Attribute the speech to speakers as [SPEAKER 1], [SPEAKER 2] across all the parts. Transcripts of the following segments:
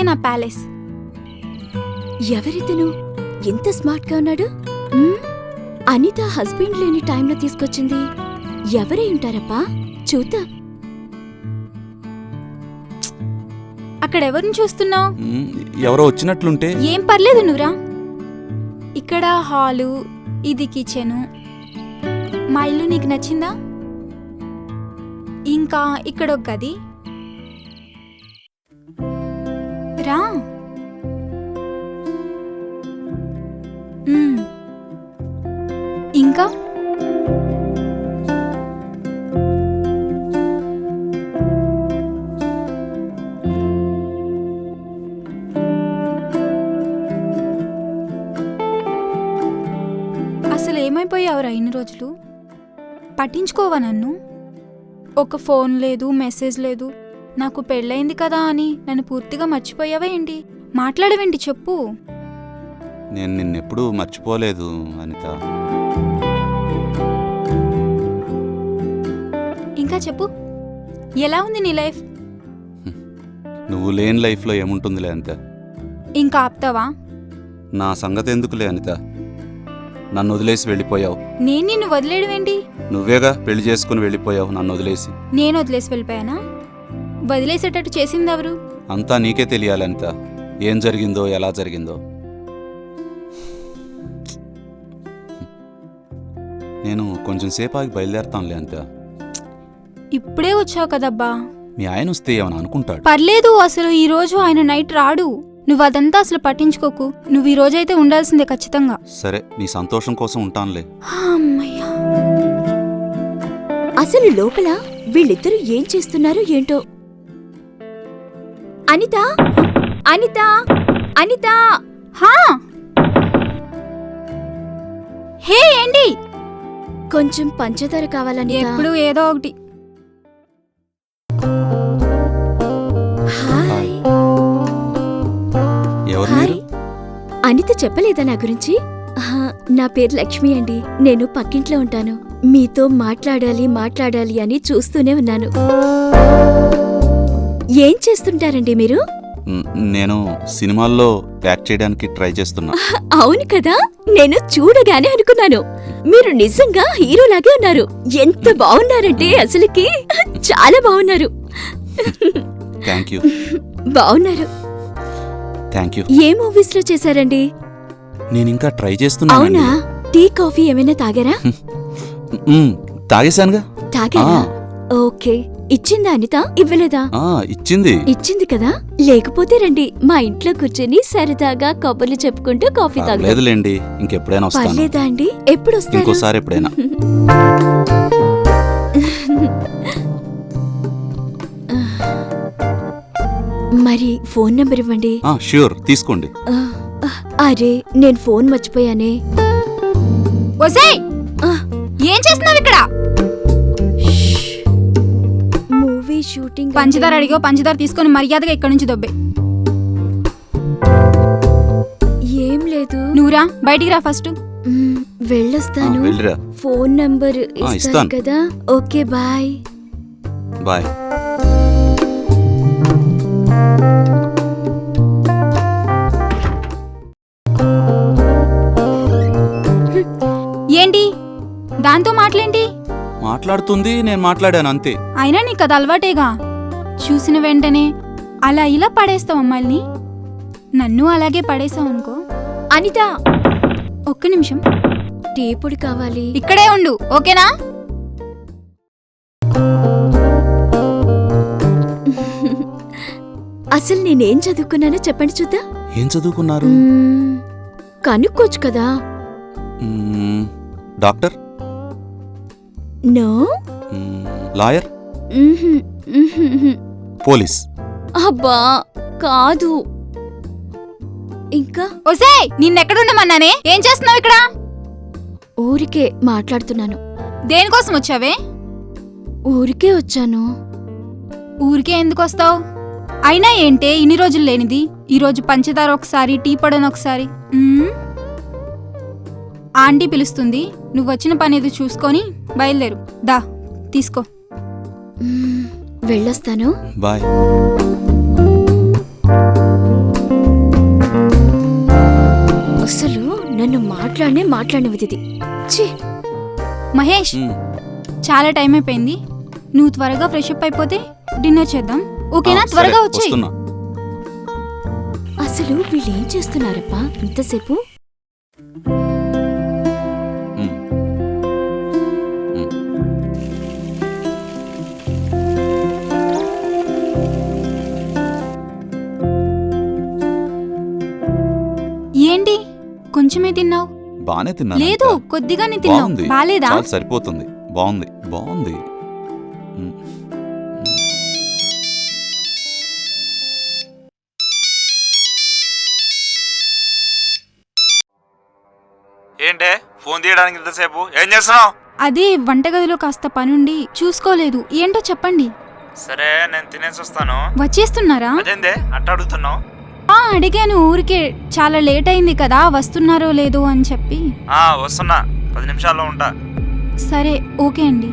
[SPEAKER 1] నా ప్యాలెస్.
[SPEAKER 2] ఎవరితను ఎంత స్మార్ట్ గా ఉన్నాడు? అనిత హస్బెండ్ లేని టైంలో తీసుకొచ్చింది. ఎవరై ఉంటారప్పా? చూద్దాం.
[SPEAKER 1] అక్కడెవరిని చూస్తున్నావు?
[SPEAKER 3] ఎవరో వచ్చినట్లుంటే.
[SPEAKER 1] ఏం పర్లేదు, నువ్వురా. ఇక్కడ హాలు, ఇది కిచెను. మా ఇల్లు నీకు నచ్చిందా? ఇంకా ఇక్కడ ఒక గది. రా. ఇంకా అసలు ఏమైపోయావురా ఇన్ని రోజులు? పట్టించుకోవా నన్ను? ఒక ఫోన్ లేదు, మెసేజ్ లేదు. నాకు పెళ్ళయింది కదా అని నన్ను పూర్తిగా మర్చిపోయావా ఏంటి? మాట్లాడవేంటి చెప్పు.
[SPEAKER 3] నేను నిన్నెప్పుడూ మర్చిపోలేదు అనిత.
[SPEAKER 1] ఇంకా చెప్పు, ఎలా ఉంది నీ లైఫ్?
[SPEAKER 3] నువ్వు లేని లైఫ్లో ఏముంటుందిలే అనిత.
[SPEAKER 1] ఇంకా ఆపుతావా?
[SPEAKER 3] నా సంగతి ఎందుకులే అనిత. నన్ను వదిలేసి వెళ్ళిపోయావు.
[SPEAKER 1] నేను నిన్ను వదిలేయడం ఏంటి?
[SPEAKER 3] నువ్వేగా పెళ్లి చేసుకుని వెళ్ళిపోయావు నన్ను వదిలేసి.
[SPEAKER 1] నేను వదిలేసి వెళ్ళిపోయానా? వదిలేసేటట్టు చేసింది ఎవరు?
[SPEAKER 3] అంతా నీకే తెలియాలి అనిత. ఏం జరిగిందో, ఎలా జరిగిందో. నేను కొంచెం సేపు ఆగి బయలుదేరతానులే అనిత.
[SPEAKER 1] ఇప్పుడే వచ్చావు కదబ్బా.
[SPEAKER 3] మీ ఆయన వస్తే ఏమని అనుకుంటాడు?
[SPEAKER 1] పర్లేదు, అసలు ఈ రోజు ఆయన నైట్ రాడు. నువ్వు అదంతా అసలు పట్టించుకోకు. నువ్వు ఈ రోజైతే ఉండాల్సిందే ఖచ్చితంగా.
[SPEAKER 3] సరే, నీ సంతోషం కోసం ఉంటానులే.
[SPEAKER 1] అమ్మయ్యా.
[SPEAKER 2] అసలు లోపల వీళ్ళిద్దరూ ఏం చేస్తున్నారో ఏంటో. అనిత, అనిత, అనిత.
[SPEAKER 1] హా, హే ఏంటి?
[SPEAKER 2] కొంచెం పంచదార కావాలని.
[SPEAKER 1] ఎప్పుడు ఏదో ఒకటి.
[SPEAKER 2] హాయ్.
[SPEAKER 3] ఎవరు మీరు?
[SPEAKER 2] అనిత చెప్పలేదా నా గురించి? నా పేరు లక్ష్మి అండి. నేను పక్కింట్లో ఉంటాను. మీతో మాట్లాడాలి అని చూస్తూనే ఉన్నాను. ఏం చేస్తుంటారండి మీరు?
[SPEAKER 3] నేను సినిమాల్లో యాక్ట్ చేయడానికి ట్రై చేస్తున్నా.
[SPEAKER 2] అవును కదా, నేను చూడగానే అనుకున్నాను మీరు నిజంగా హీరోలాగే ఉన్నారు. ఎంత బాగున్నారంటే అసలుకి చాలా బాగున్నారు.
[SPEAKER 3] Thank you.
[SPEAKER 2] బాగున్నారు.
[SPEAKER 3] Thank you.
[SPEAKER 2] ఏ మూవీస్ లో చేశారండి?
[SPEAKER 3] నేను ఇంకా ట్రై చేస్తున్నా.
[SPEAKER 2] అవునా? టీ కాఫీ ఏమైనా తాగారా?
[SPEAKER 3] తాగేశానుగా.
[SPEAKER 2] తాగారా? ఓకే. ఇచ్చిందా అనిత? ఇవ్వలేదా? ఇచ్చింది కదా. లేకపోతే రండి, మా ఇంట్లో కూర్చొని సరదాగా కబుర్లు చెప్పుకుంటూ కాఫీ తాగుదాం.
[SPEAKER 3] లేదులేండి, ఇంకెప్పుడైనా వస్తాను.
[SPEAKER 2] పర్లేదా అండి? ఎప్పుడు వస్తారు?
[SPEAKER 3] ఇంకోసారి ఎప్పుడైనా.
[SPEAKER 2] మరి ఫోన్ నంబర్ ఇవ్వండి.
[SPEAKER 3] ష్యూర్, తీసుకోండి.
[SPEAKER 2] అరే, నేను ఫోన్ మర్చిపోయానే.
[SPEAKER 1] ఏం చేస్తున్నావు ఇక్కడ?
[SPEAKER 2] Movie shooting.
[SPEAKER 1] పంచదార అడిగో, పంచదార తీసుకొని మర్యాదగా ఇక్కడి నుంచి దొబ్బే.
[SPEAKER 2] ఏం లేదు.
[SPEAKER 1] నువ్వురా, బయటికి రా ఫస్ట్.
[SPEAKER 2] వెళ్ళొస్తాను. ఫోన్ నంబర్ ఇస్తాను కదా. Okay, bye.
[SPEAKER 3] బాయ్.
[SPEAKER 1] ఏంటి దాంతో మాటలేంటి?
[SPEAKER 3] మాట్లాడుతుంది, నేను మాట్లాడాను అంతే.
[SPEAKER 1] అయినా నీకు అది అలవాటేగా. చూసిన వెంటనే అలా ఇలా పడేస్తావు అమ్మాయిల్ని. నన్ను అలాగే పడేసావు అనుకో.
[SPEAKER 2] అనిత,
[SPEAKER 1] ఒక్క నిమిషం.
[SPEAKER 2] టీ పొడి కావాలి.
[SPEAKER 1] ఇక్కడే ఉండు, ఓకేనా?
[SPEAKER 2] అసలు నేనేం చదువుకున్నానో చెప్పండి చూద్దాం.
[SPEAKER 3] ఏం చదువుకున్నారు?
[SPEAKER 2] కనుక్కోవచ్చు కదా.
[SPEAKER 3] డాక్టర్?
[SPEAKER 2] నో.
[SPEAKER 3] లాయర్? పోలీస్?
[SPEAKER 2] అబ్బా కాదు. ఇంకా
[SPEAKER 1] ఒసేయ్, నిన్నెక్కడుండమన్నానే? ఏం చేస్తున్నావు ఇక్కడ?
[SPEAKER 2] ఊరికే మాట్లాడుతున్నాను.
[SPEAKER 1] దేనికోసం వచ్చావే?
[SPEAKER 2] ఊరికే వచ్చాను.
[SPEAKER 1] ఊరికే ఎందుకు వస్తావు? అయినా ఏంటే ఇన్ని రోజులు లేనిది? ఈరోజు పంచదార ఒకసారి, టీ పొడని ఒకసారి. ఆంటీ పిలుస్తుంది, నువ్వు వచ్చిన పని ఏదో చూసుకొని బయలుదేరు. దా, తీసుకో.
[SPEAKER 2] వెళ్ళొస్తాను.
[SPEAKER 3] బాయ్.
[SPEAKER 2] మాట్లాడినది ఛీ.
[SPEAKER 1] మహేష్
[SPEAKER 3] ఉమ్,
[SPEAKER 1] చాలా టైం అయిపోయింది, నువ్వు త్వరగా ఫ్రెష్ అప్ అయిపోతే డిన్నర్ చేద్దాం, ఓకేనా?
[SPEAKER 3] సరే,
[SPEAKER 1] త్వరగా వచ్చేయ్.
[SPEAKER 3] వస్తున్నా.
[SPEAKER 2] అసలు వీళ్ళేం చేస్తున్నారప్పా ఇంతసేపు?
[SPEAKER 3] ఉమ్, ఉమ్.
[SPEAKER 1] ఏంటి కొంచెమే తిన్నావు?
[SPEAKER 3] బానే తిన్నాను
[SPEAKER 1] లేదు
[SPEAKER 3] అనిత.
[SPEAKER 1] కొద్దిగానే తిన్నావు,
[SPEAKER 3] బాగుంది,
[SPEAKER 1] బాలేదా?
[SPEAKER 3] చాలు సరిపోతుంది. బాగుంది బాగుంది. ఉమ్.
[SPEAKER 4] ఏంటే ఫోన్ తీయడానికి ఇంతసేపు ఏం చేస్తున్నావు?
[SPEAKER 1] అదే వంటగదిలో కాస్త పనుండి చూసుకోలేదు, ఏంటో చెప్పండి.
[SPEAKER 4] సరే నేను తినేసి వస్తాను.
[SPEAKER 1] వచ్చేస్తున్నారా?
[SPEAKER 4] అదేందే అట్ట అడుగుతున్నావు?
[SPEAKER 1] అడిగాను ఊరికే, చాలా లేట్ అయింది కదా, వస్తున్నారో లేదో అని చెప్పి.
[SPEAKER 4] వస్తున్నా, 10 నిమిషాల్లో ఉంటా.
[SPEAKER 1] సరే ఓకే అండి.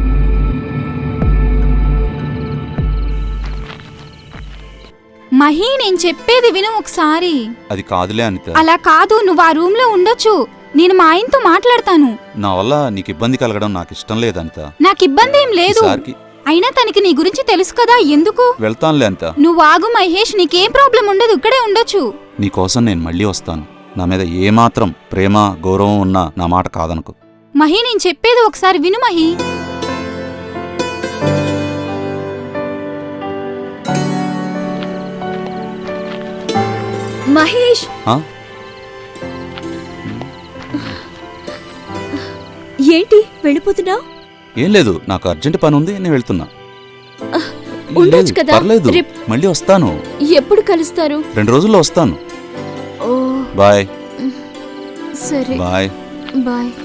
[SPEAKER 1] మహి నేను చెప్పేది విను ఒకసారి.
[SPEAKER 3] అది కాదులే అనిత,
[SPEAKER 1] అలా కాదు, నువ్వు ఆ రూమ్ లో ఉండొచ్చు, నేను మా ఆయనతో మాట్లాడతాను.
[SPEAKER 3] నా వల్ల నీకు ఇబ్బంది కలగడం నాకు ఇష్టం లేదు అనిత.
[SPEAKER 1] నాకు ఇబ్బంది ఏం లేదు,
[SPEAKER 3] ఈసారికి
[SPEAKER 1] అయినా తనకి నీ గురించి తెలుసు కదా, ఎందుకు?
[SPEAKER 3] వెళ్తానులే అనిత.
[SPEAKER 1] నువ్వు ఆగు మహేష్, నీకేం ప్రాబ్లం ఉండదు, ఇక్కడే ఉండొచ్చు.
[SPEAKER 3] నీకోసం నేను మళ్ళీ వస్తాను. నా మీద ఏమాత్రం ప్రేమ గౌరవం ఉన్నా నా మాట కాదనుకో.
[SPEAKER 1] మహి నేను చెప్పేది ఒకసారి విను మహి.
[SPEAKER 2] మహేష్
[SPEAKER 3] ఆ?
[SPEAKER 2] ఏంటి వెళ్ళిపోతున్నావు?
[SPEAKER 3] ఏం లేదు, నాకు అర్జెంట్ పని ఉంది, నేను వెళ్తున్నా.
[SPEAKER 2] ఉండొచ్చు
[SPEAKER 3] లేదు,
[SPEAKER 2] కదా,
[SPEAKER 3] పర్లేదు, మళ్ళీ వస్తాను.
[SPEAKER 2] ఎప్పుడు కలుస్తారు?
[SPEAKER 3] 2 రోజుల్లో వస్తాను.
[SPEAKER 2] ఓ
[SPEAKER 3] బాయ్
[SPEAKER 2] సరే
[SPEAKER 3] బాయ్.
[SPEAKER 2] బాయ్.